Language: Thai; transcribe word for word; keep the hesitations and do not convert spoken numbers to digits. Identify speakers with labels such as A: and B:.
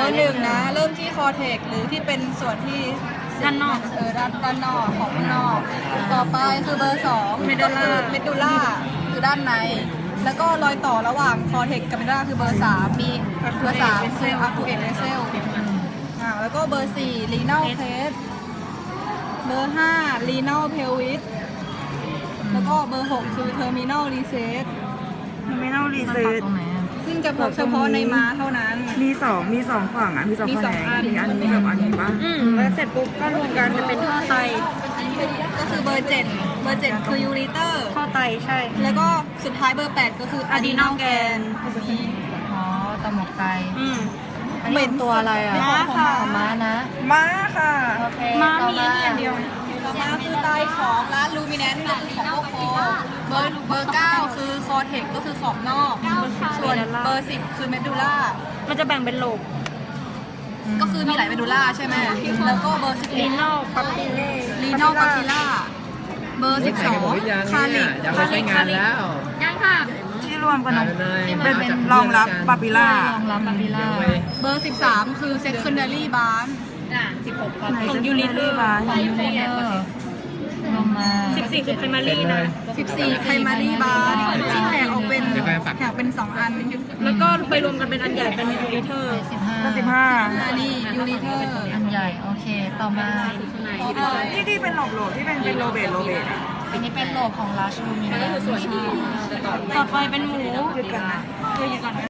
A: อร์หนึ่งนะเริ่มที่คอเทกหรือที่เป็นส่วนที่ด้านนอกเออด้านด้านนอกของข้างนอกต่อไปคือเบอร์สองเมดูล่าเมดูล่าคือด้านในแล้วก็รอยต่อระหว่างคอเทกกับเมดูล่าคือเบอร์สามมีเบอร์สามคืออะคูเอตเวเซลอ่าแล้วก็เบอร์สี่ลีนัลเพสเบอร์ห้าลีนัลเพลวิสแล้วก็เบอร์หกคือเทอร์มินอลรีเซต
B: ไม่ต้องรีเซ็ต
A: ซึ่งจะพบเฉพาะในม้าเท่านั้น
B: มีสองมีสองฝั่งอ่ะมีสอง
A: มี
B: แผ
A: สอง
B: น
A: อัน
B: มีอันนี้กับอันนี้ปะ
A: อืมแล้วเสร็จปุ๊บก็รวมกันจะเป็นท่อไตก็คือเบอร์เจ็ดเบอร์เจ็ดคือยูริเตอร์ท่อไตใช่ แล้วก็สุดท้ายเบอร์แปดก็คืออะดีนอลแกน
C: อ๋อตะหมกไต
A: อืม
C: อันนี้ตัวอะไรอ่ะ
A: ม้าค่ะ
C: ของม้านะ
B: ม้าค่ะ
C: โอเค
A: ม้า
C: ต่อ
A: มีอันเดียวต่อมาคือไตของร้านลูมิเนนต์ก็คือของโอโคเบอร์เบอร์เก้าคือคอเทกก็คือขอบนอกส่วนเบอร์สิบคือเมดูล่ามันจะแบ่งเป็นโลบก็คือมีหลายเมดูล่าใช่ไหมแล้วก็เบอร์สิบเอ็ดลีนอลปาปิเล่ลีนอลปาปิล่าเบอร์สิบสองคาลิก
D: จะไปใช้งานแล้ว
A: ยังค่ะ
B: ที่รวมกัน
D: เป็น
B: เป็นรองรับปาปิล่าร
C: องรับปาปิล่า
A: เบอร์สิบสามคือ secondary barn สิบหก
B: ของยูนิเตอร์มา
C: ของยูนิเตอร์ลงมา
A: สิบสี่คือ primary นะสิบสี่ primary barn ที่แถกออกเป็นแถกเป็นสองอัน แล้วก็ไปรวมกันเป็นอันใหญ่เป็น uniter
C: สิบห้า
B: ก็สิบห้า
A: อันนี้ uniter
C: อันใหญ่ โอเค ต่อมา
B: ที่ที่เป็นหลบโหลที่เป็นเป็นโรเบตโรเบตอ่ะ
C: อันนี้เป็นโลบของราชลูมิเนน
A: ต่อไปเป็นหมู
B: หยุดกันนะ
A: เอออยู่ก่อน